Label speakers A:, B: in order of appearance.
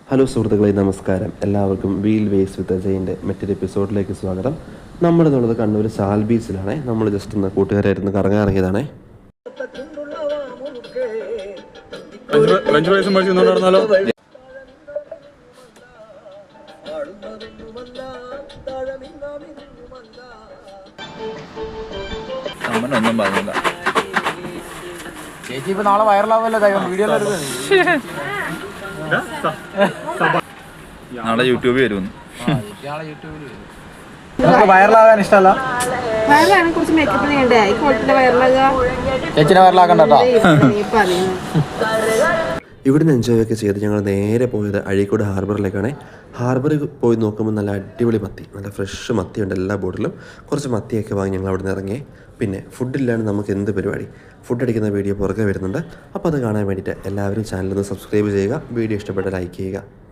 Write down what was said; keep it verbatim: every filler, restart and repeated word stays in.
A: Hello സുഹൃത്തുക്കളെ, നമസ്കാരം. എല്ലാവർക്കും വീൽ വേസ് വിത്ത് അജയിൻ്റെ മറ്റൊരു എപ്പിസോഡിലേക്ക് സ്വാഗതം. നമ്മളിന്നുള്ളത് കണ്ണൂർ സാൽ ബീച്ചിലാണേ. നമ്മൾ ജസ്റ്റ് ഒന്ന് കൂട്ടുകാരായിരുന്നു കറങ്ങാൻ ഇറങ്ങിയതാണേ.
B: ഒന്നും പറഞ്ഞില്ല
C: ചേച്ചി. ഇപ്പൊ നാളെ വൈറലാവല്ലോ വീഡിയോ.
B: നാളെ യൂട്യൂബിൽ വരുമെന്ന്.
C: വൈറലാകാൻ ഇഷ്ടമല്ല.
D: വയറിലാണെങ്കിൽ കുറച്ച് മേക്കപ്പ് ചെയ്യണ്ടേ?
C: ചേച്ചിനെ വൈറലാക്കണ്ട.
A: ഇവിടുന്ന് എൻജോയ് ഒക്കെ ചെയ്ത് ഞങ്ങൾ നേരെ പോയത് അഴീക്കോട് ഹാർബറിലേക്കാണ്. ഹാർബറിൽ പോയി നോക്കുമ്പോൾ നല്ല അടിപൊളി മത്തി, നല്ല ഫ്രഷ് മത്തിയുണ്ട് എല്ലാ ബോട്ടിലും. കുറച്ച് മത്തിയൊക്കെ വാങ്ങി ഞങ്ങൾ അവിടെ നിന്ന് ഇറങ്ങി. പിന്നെ ഫുഡില്ലാണ്ട് നമുക്ക് എന്ത് പരിപാടി? ഫുഡ് അടിക്കുന്ന വീഡിയോ പുറകെ വരുന്നുണ്ട്. അപ്പോൾ അത് കാണാൻ വേണ്ടിയിട്ട് എല്ലാവരും ചാനലൊന്ന് സബ്സ്ക്രൈബ് ചെയ്യുക. വീഡിയോ ഇഷ്ടപ്പെട്ട ലൈക്ക് ചെയ്യുക.